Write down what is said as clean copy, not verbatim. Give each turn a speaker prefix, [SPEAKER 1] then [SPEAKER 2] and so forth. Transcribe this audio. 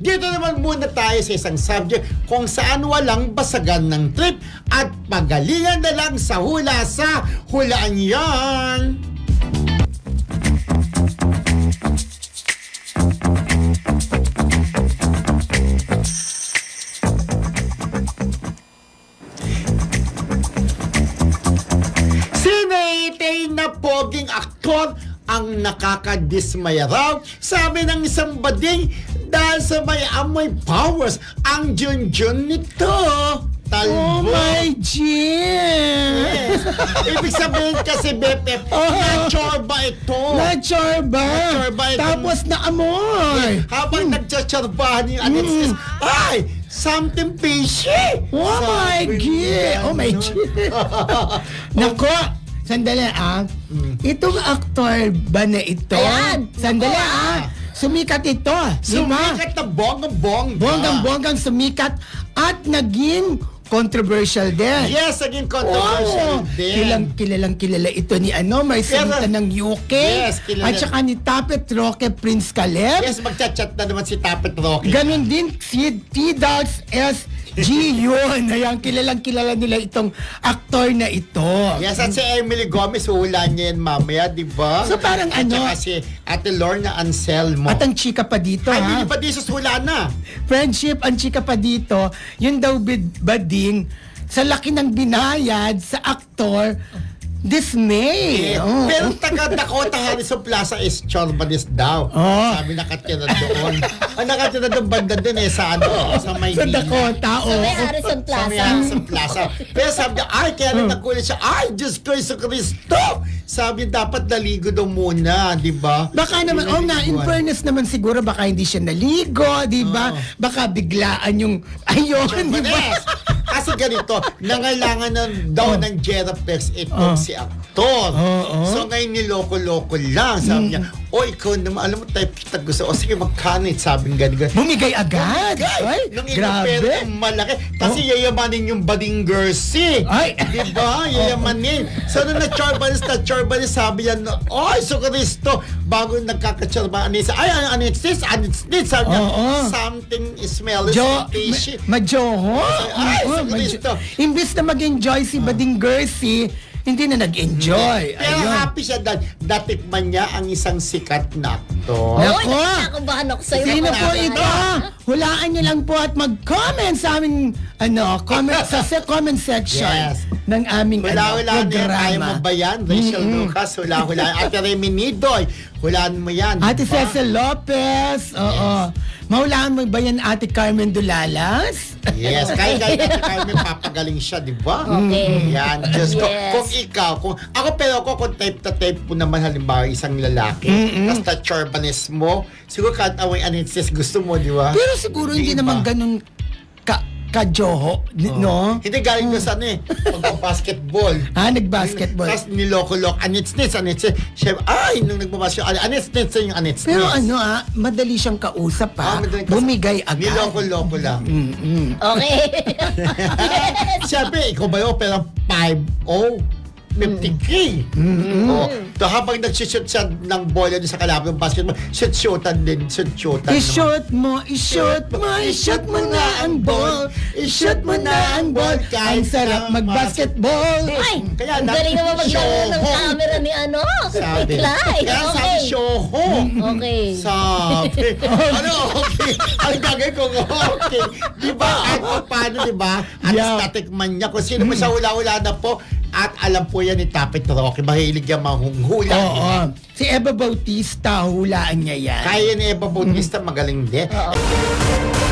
[SPEAKER 1] Dito naman muna tayo sa isang subject kung saan walang basagan ng trip at pagalingan na lang sa hula sa Hulaan Yan. Sinaytay na poging aktor ang nakakadismaya raw, sabi ng isang bading, dahil sa may amoy powers ang Junjun nito. Talbo.
[SPEAKER 2] Oh my Jim!
[SPEAKER 1] Yes. Ibig sabihin kasi, BFF, na-chorba ito.
[SPEAKER 2] Na-chorba!
[SPEAKER 1] Na-chorba ito.
[SPEAKER 2] Tapos na-amoy!
[SPEAKER 1] Habang nagtsatsorbahan yung anitsis, ay! Something fishy!
[SPEAKER 2] Oh my God! Oh my God! Nako! Sandali Itong aktor ba na ito?
[SPEAKER 3] Ayan!
[SPEAKER 2] Sandali Sumikat ito.
[SPEAKER 1] Sumikat na bonggang-bongga.
[SPEAKER 2] Bonggang-bonggang sumikat at naging controversial din.
[SPEAKER 1] Yes, naging controversial din.
[SPEAKER 2] Kilalang kilala ito ni Marcelita ng UK.
[SPEAKER 1] Yes, kilala.
[SPEAKER 2] At saka ni Tapet Roque Prince Caleb.
[SPEAKER 1] Yes, magchat-chat na naman si Tapet Roque.
[SPEAKER 2] Ganon din si T-Dogs SG yun. Ayan, kilala nila itong aktor na ito.
[SPEAKER 1] Yes, at si Emily Gomez, hula niya yan mamaya, di ba?
[SPEAKER 2] So parang
[SPEAKER 1] at saka si Ate Lorna Anselmo.
[SPEAKER 2] At ang chika pa dito,
[SPEAKER 1] Ay, hindi pa di hula na.
[SPEAKER 2] Friendship, ang chika pa dito, yun daw bading sa laki ng binayad sa aktor, dismay.
[SPEAKER 1] Pero taga Dakota Harrison Plaza is Chorbanis daw. Sabi nakatira doon. Ang nakatira doon banda din sa sa Maynila.
[SPEAKER 2] Sa Dakota,
[SPEAKER 3] Sa may Harrison
[SPEAKER 1] Sa
[SPEAKER 3] Plaza.
[SPEAKER 1] may Harrison Plaza. Pero sabi niya, ay, kaya rin nagulat siya, ay, Diyos ko, Iso Cristo! Sabi niya, dapat naligo daw muna, di ba?
[SPEAKER 2] Baka naman, in fairness naman siguro, baka hindi siya naligo, di ba? Baka biglaan yung, ayun, di ba?
[SPEAKER 1] Kasi ganito, nangailangan daw ng Geraplex itong si aktor. So ngayon niloko-loko lang. Sabi niya, ikaw naman, alam mo type kita gusto. O sige, magkanit, sabi ng ganito.
[SPEAKER 2] Bumigay agad. Ay,
[SPEAKER 1] Nung
[SPEAKER 2] grabe.
[SPEAKER 1] ipapera malaki. Kasi yayamanin yung bading Gersi.
[SPEAKER 2] Ay.
[SPEAKER 1] Diba? Yayamanin. So nung na-chorbanis, sabi niya, so Cristo, bago nagkaka-chorba, ay, ano it's this? Sabi niya, something smells fishy.
[SPEAKER 2] Majoho.
[SPEAKER 1] Ay, so Cristo.
[SPEAKER 2] Imbis na mag-enjoy si Bading Gersi, hindi na nag-enjoy.
[SPEAKER 1] Pero happy siya dahil datikman niya ang isang sikat na aktor.
[SPEAKER 2] Nako.
[SPEAKER 3] Oy, nakabahan ako sa'yo.
[SPEAKER 2] Sino po
[SPEAKER 3] Naku.
[SPEAKER 2] ito? Hulaan niyo lang po at mag-comment sa aming comment sa comment section
[SPEAKER 1] Yes.
[SPEAKER 2] ng aming
[SPEAKER 1] Hula-hula na yan. Kaya
[SPEAKER 2] programa.
[SPEAKER 1] mo ba yan? Rachel Lucas, hula-hula. Ate Remy Nidoy, hulaan mo yan.
[SPEAKER 2] Ate
[SPEAKER 1] diba?
[SPEAKER 2] Cecil Lopez. Oo. Mahulaan mo ba yan Ate Carmen Dulalas?
[SPEAKER 1] Yes, kahit may papagaling siya, di ba?
[SPEAKER 3] Okay.
[SPEAKER 1] Yan, Diyos ko.
[SPEAKER 3] Yes.
[SPEAKER 1] Kung ikaw, kung type na type po naman halimbawa isang lalaki, tapos na-chorbanes mo, siguro kahit away anitsis gusto mo, di ba?
[SPEAKER 2] Pero siguro hindi
[SPEAKER 1] Di ba?
[SPEAKER 2] naman ganun ka-joho, no?
[SPEAKER 1] Hindi galing ko sa pag-basketball.
[SPEAKER 2] Nag-basketball.
[SPEAKER 1] Tapos niloko-lok, anits-nits. Siya, nung nagbabasketball, anits-nits yung anits-nits.
[SPEAKER 2] Pero madali siyang kausap
[SPEAKER 1] madaling kausap.
[SPEAKER 2] Bumigay agad.
[SPEAKER 1] Niloko-loko lang.
[SPEAKER 3] Okay.
[SPEAKER 1] Siyempre, ikaw ba yun? Pero 5-0. 50K. So habang nag-shoot siya ng bola sa kalaban ng basketball, shoot-shootan din. Shoot-shootan.
[SPEAKER 2] I-shoot mo na ang ball. I-shoot mo na ang ball. Ang sarap mag-basketball.
[SPEAKER 3] Ay,
[SPEAKER 1] Kaya
[SPEAKER 3] ang galing naman maglaro ng
[SPEAKER 1] Shoho.
[SPEAKER 3] camera ni
[SPEAKER 1] Sabi.
[SPEAKER 3] Clay.
[SPEAKER 1] Kaya sabi,
[SPEAKER 3] Okay.
[SPEAKER 1] shoho.
[SPEAKER 3] Okay.
[SPEAKER 1] Sabi. Okay? Ang gagawin ko, okay. Di ba? Kahit pa paano, di ba? At tatikman niya. Kung sino mo sa hula-hula na po, at alam po yan ni Tapet Roque, mahilig yan manghula.
[SPEAKER 2] Oo. Si Eva Bautista, hulaan niya yan.
[SPEAKER 1] Kaya ni Eva Bautista, magaling din.